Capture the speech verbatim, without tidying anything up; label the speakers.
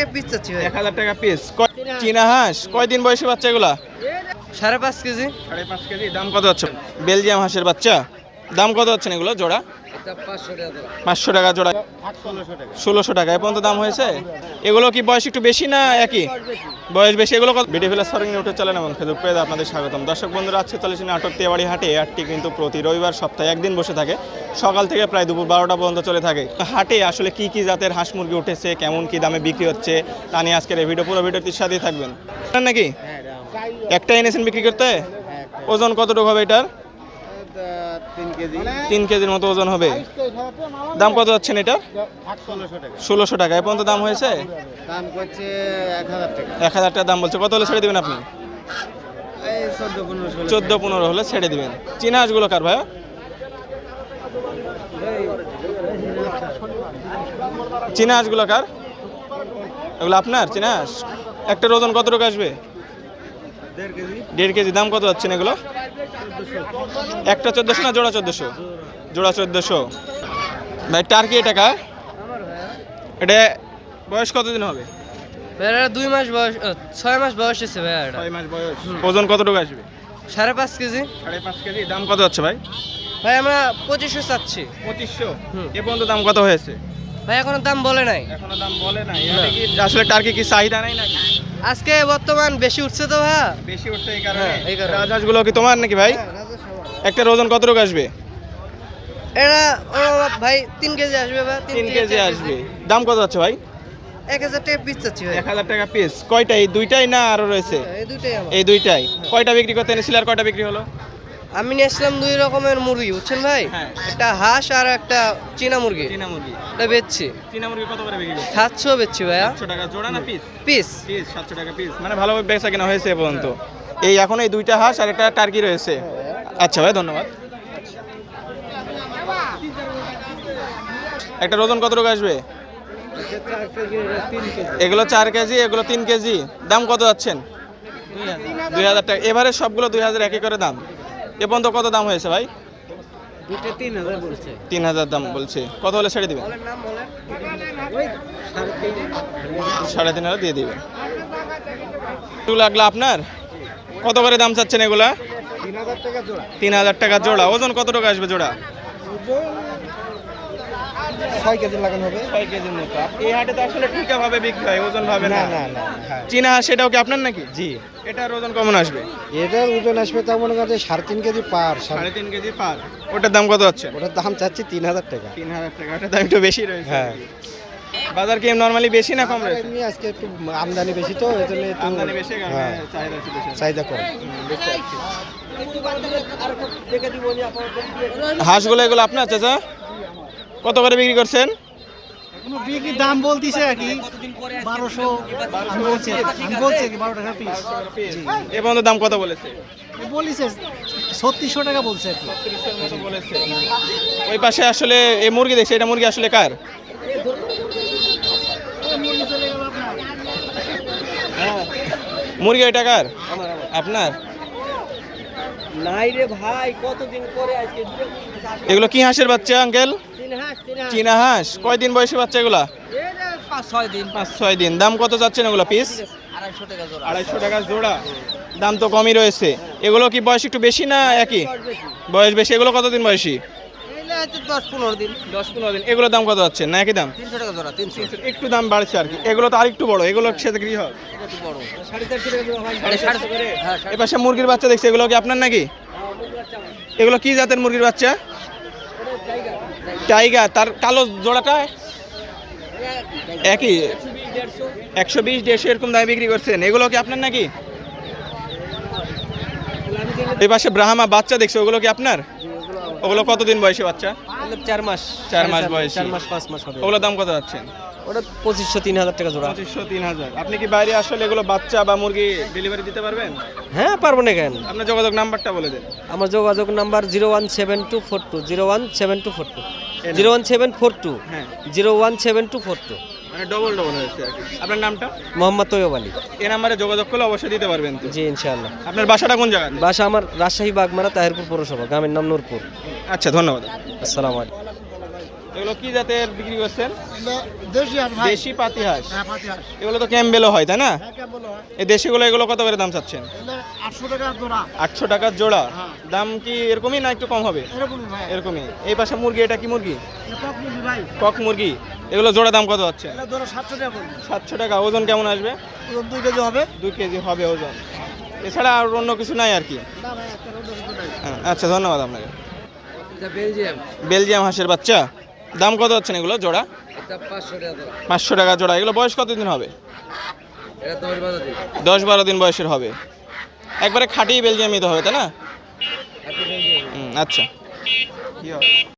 Speaker 1: টাকা পিস চাচ্ছি ভাই।
Speaker 2: এক হাজার টাকা পিস। চীনা হাঁস কয়দিন বয়সী বাচ্চা এগুলা?
Speaker 1: সাড়ে পাঁচ কেজি।
Speaker 2: সাড়ে পাঁচ কেজি। দাম কত হচ্ছে? বেলজিয়াম হাঁসের বাচ্চা দাম কত হচ্ছে এগুলো জোড়া? পাঁচশো টাকা জোড়া। ষোলোশো টাকা এ পর্যন্ত দাম হয়েছে। এগুলো কি বয়স একটু বেশি না একই? বয়স বেশি। এগুলো BD village farming YouTube channel এবং ফেসবুক পেজে আপনাদের স্বাগতম। দর্শক বন্ধুরা, আজকে চলেছি নাটোর তেবাড়ি হাটে। হাটটি কিন্তু প্রতি রবিবার সপ্তাহে একদিন বসে থাকে, সকাল থেকে প্রায় দুপুর বারোটা পর্যন্ত চলে থাকে। হাটে আসলে কি কি জাতের হাঁস মুরগি উঠেছে, কেমন কি দামে বিক্রি হচ্ছে তা নিয়ে আজকের এই ভিডিও, পুরো ভিডিওটির সাথেই থাকবেন নাকি? একটা এনেছেন বিক্রি করতে? ওজন কতটুকু হবে এটার? তিন কেজির মতো ওজন হবে। দাম কত যাচ্ছেন এটা? ষোলোশো টাকা এ পর্যন্ত দাম হয়েছে। এক হাজার টাকা দাম বলছে। কত হলে ছেড়ে দিবেন আপনি? চোদ্দ পনেরো হলে ছেড়ে দিবেন। চীনা হাঁসগুলো কার ভাইয়া? চীনা হাঁসগুলো কার? এগুলো আপনার চীনা হাঁস? একটার ওজন কতটুকু আসবে? দেড় কেজি। দাম কত যাচ্ছেন এগুলো? একটা চোদ্দশো না জোড়া চোদ্দশো? জোড়া চোদ্দশো। ভাই টার্কি এটা কার? এটা বয়স কতদিন হবে?
Speaker 1: দুই মাস বয়স, ছয় মাস বয়স হয়েছে ভাই।
Speaker 2: ছয় মাস বয়স। ওজন কতটুকু আসবে?
Speaker 1: সাড়ে পাঁচ কেজি।
Speaker 2: সাড়ে পাঁচ কেজি। দাম কত হচ্ছে ভাই?
Speaker 1: ভাই আমরা পঁচিশশো চাচ্ছি।
Speaker 2: পঁচিশশো এ পর্যন্ত দাম কত হয়েছে?
Speaker 1: ভাই এখনো দাম বলে নাই।
Speaker 2: এখনো দাম বলে নাই। আসলে টার্কি কি চাহিদা নাই নাকি?
Speaker 1: আজকে বর্তমান বেশি উঠছে তো ভাই।
Speaker 2: বেশি উঠছে এই কারণে।
Speaker 1: এই কারণে।
Speaker 2: রাজহাঁসগুলো কি তোমার নাকি ভাই? একটা ওজন কতটুকু আসবে?
Speaker 1: এটা ভাই তিন কেজি আসবে ভাই।
Speaker 2: তিন কেজি আসবে। দাম কত হচ্ছে ভাই?
Speaker 1: এক হাজার টাকা পিস চাচ্ছি ভাই।
Speaker 2: এক হাজার টাকা পিস। কয়টা? এই দুইটাই না আরো রয়েছে?
Speaker 1: এই দুইটাই আমার।
Speaker 2: এই দুইটাই। কয়টা বিক্রি করতে এনেছিল আর কয়টা বিক্রি হলো?
Speaker 1: আমি নিয়ে আসলাম দুই রকমের মুরগি, বুঝছেন ভাই?
Speaker 2: হ্যাঁ।
Speaker 1: একটা হাঁস আর একটা চীনা মুরগি।
Speaker 2: চীনা মুরগি
Speaker 1: এটা বেচছি।
Speaker 2: চীনা মুরগি কত করে বিক্রি করছে?
Speaker 1: সাতশো বেচছি ভাইয়া।
Speaker 2: সাতশো টাকা জোড়া না পিস?
Speaker 1: পিস।
Speaker 2: পিস সাতশো টাকা পিস। মানে ভালোভাবে বেচা কেনা হয়েছে এ পর্যন্ত। এই এখন এই দুইটা হাঁস আর একটা টার্কি রয়েছে। আচ্ছা ভাই, ধন্যবাদ। একটা ওজন কতটুকু আসবে? এগুলো চার কেজি, এগুলো তিন কেজি। দাম কত যাচ্ছেন? দুই হাজার টাকা। এবারে সবগুলো দুই হাজার একই করে দাম। এ পর্যন্ত কত দাম হয়েছে ভাই? তিন হাজার দাম বলছে। কত হলে ছেড়ে দিবেন? সাড়ে তিন হাজার দিয়ে দিবেন। একটু লাগলো আপনার? কত করে দাম চাচ্ছেন এগুলা? তিন হাজার টাকা জোড়া। ওজন কতটুকু আসবে জোড়া?
Speaker 1: ছয় কেজি লাগানো হবে।
Speaker 2: ছয় কেজির মতো। এই হাটে তো আসলে ঠিকা ভাবে বিক্রি হয়, ওজন ভাবে না।
Speaker 1: না না।
Speaker 2: চীনা হাঁস সেটাও কি আপনার নাকি?
Speaker 1: জি।
Speaker 2: এটার ওজন কেমন আসবে?
Speaker 1: এটার ওজন আসবে তার মনে করছে সাড়ে তিন কেজি পার।
Speaker 2: সাড়ে তিন কেজি পার। ওটার দাম কত হচ্ছে?
Speaker 1: ওটার দাম চাচ্ছি তিন হাজার টাকা।
Speaker 2: তিন হাজার টাকা। ওটার দাম একটু বেশি রয়েছে।
Speaker 1: হ্যাঁ।
Speaker 2: বাজার কি নরমালি বেশি না কম রয়েছে?
Speaker 1: এমনি আজকে একটু আমদানি বেশি তো এই জন্য একটু
Speaker 2: আমদানি বেশি কারণে
Speaker 1: হ্যাঁ,
Speaker 2: চাহিদা একটু বেশি।
Speaker 1: চাহিদা কম।
Speaker 2: হাঁসগুলো এগুলো আপনার চাচা? কত করে বিক্রি করছেন?
Speaker 3: বিক্রির দাম বলতিছে আর কি বারোশো। আমি বলছি আমি বলছি কি বারো টাকা পিস।
Speaker 2: এ পর্যন্ত দাম কত বলেছে?
Speaker 3: বলিছে ছত্রিশশো টাকা বলছে আর কি।
Speaker 2: বলেছে। ওই পাশে আসলে এই মুরগি দেখছে, এটা মুরগি আসলে কার? মুরগি এটা কার? আপনার?
Speaker 1: নাই রে ভাই, কতদিন পরে আজকে।
Speaker 2: এগুলো কি হাঁসের বাচ্চা আঙ্কেল? চীনা হাঁস। কয়দিন বয়সী বাচ্চা এগুলা?
Speaker 1: পাঁচ ছয় দিন।
Speaker 2: পাঁচ ছয় দিন। দাম কত যাচ্ছেন এগুলো পিস?
Speaker 1: আড়াইশো টাকা জোড়া।
Speaker 2: আড়াইশো টাকা জোড়া। দাম তো কমই রয়েছে। এগুলো কি বয়স একটু বেশি না একই? বয়স বেশি। এগুলো কতদিন বয়সী?
Speaker 1: দশ পনেরো দিন।
Speaker 2: দশ পনেরো দিন। এগুলোর দাম কত যাচ্ছে না একই দাম?
Speaker 1: তিনশো টাকা জোড়া। তিনশো।
Speaker 2: একটু দাম বাড়ছে আর কি। এগুলো তো আরেকটু বড়। এগুলোর সাথে গৃহ
Speaker 1: একটু বড়।
Speaker 2: এ পাশে মুরগির বাচ্চা দেখছি, এগুলো কি আপনার নাকি? এগুলো কি জাতের মুরগির বাচ্চা? টাইগার। তার কালো জোড়াটা একই? একশো বিশ দেড়শো এরকম দামে বিক্রি করছেন। এগুলো কি আপনার নাকি? এই পাশে ব্রাহ্মা বাচ্চা দেখছি, ওগুলো কি আপনার? ওগুলো কতদিন বয়সী বাচ্চা?
Speaker 1: চার মাস।
Speaker 2: চার মাস বয়সী।
Speaker 1: চার মাস পাঁচ মাস হবে।
Speaker 2: ওগুলো দাম কত যাচ্ছেন?
Speaker 1: ওটা পঁচিশশো তিন হাজার টাকা জোড়া।
Speaker 2: পঁচিশশো তিন হাজার। আপনি কি বাইরে আসলে এগুলো বাচ্চা বা মুরগি ডেলিভারি দিতে পারবেন?
Speaker 1: হ্যাঁ পারবো না কেন।
Speaker 2: আপনার যোগাযোগ নাম্বারটা বলে দেন।
Speaker 1: আমার যোগাযোগ number zero one seven two four two zero one seven two four two zero one seven four two
Speaker 2: হ্যাঁ,
Speaker 1: zero one seven two four two.
Speaker 2: মানে ডবল ডবল হয়েছে আর কি। আপনার নামটা?
Speaker 1: মোহাম্মদ তৈয়ব আলী।
Speaker 2: এই নাম্বারে যোগাযোগ করলে অবশ্যই দিতে পারবেন তো?
Speaker 1: জি ইনশাআল্লাহ।
Speaker 2: আপনার বাসাটা কোন জায়গায়?
Speaker 1: বাসা আমার রাজশাহী বাগমারা তাহিরপুর পৌরসভা, গ্রামের নাম নূরপুর।
Speaker 2: আচ্ছা, ধন্যবাদ।
Speaker 1: আসসালামু আলাইকুম।
Speaker 2: এগুলো কি জাতের বিক্রি করছেন?
Speaker 3: দেশি হাঁস ভাই।
Speaker 2: দেশি পাতি হাঁস।
Speaker 3: হ্যাঁ পাতি হাঁস।
Speaker 2: এগুলো তো ক্যাম্বেলও হয় তাই না?
Speaker 3: হ্যাঁ কেমন হয়?
Speaker 2: এই দেশিগুলো এগুলো কত করে দাম চাচ্ছেন?
Speaker 3: এগুলো আটশো টাকা জোড়া।
Speaker 2: আটশো টাকার জোড়া।
Speaker 3: হ্যাঁ।
Speaker 2: দাম কি এরকমই না একটু কম হবে?
Speaker 3: এরকমই ভাই।
Speaker 2: এরকমই। এই পাশে মুরগি, এটা কি মুরগি?
Speaker 3: এটা কক মুরগি ভাই।
Speaker 2: কক মুরগি। এগুলো জোড়া দাম কত হচ্ছে?
Speaker 3: এটা ধরো সাতশো টাকা পড়বে।
Speaker 2: সাতশো টাকা। ওজন কেমন আসবে?
Speaker 3: ওজন দুই কেজি হবে।
Speaker 2: দুই কেজি হবে ওজন। এছাড়া আর অন্য কিছু নাই আর কি?
Speaker 3: না ভাই একটা অন্য কিছু নাই।
Speaker 2: হ্যাঁ, আচ্ছা ধন্যবাদ আপনাকে।
Speaker 1: এটা বেলজিয়াম,
Speaker 2: বেলজিয়াম হাঁসের বাচ্চা। দাম কত হচ্ছে এগুলো জোড়া?
Speaker 1: এটা পাঁচশো টাকা জোড়া।
Speaker 2: পাঁচশো টাকা জোড়া। এগুলো বয়স কতদিন হবে?
Speaker 1: এটা দশ বারো দিন।
Speaker 2: দশ বারো দিন বয়সের হবে। একবারে খাঁটি বেলজিয়ামই তো হবে তাই না?
Speaker 1: আপনি বেলজিয়াম।
Speaker 2: হুম, আচ্ছা। কি হবে?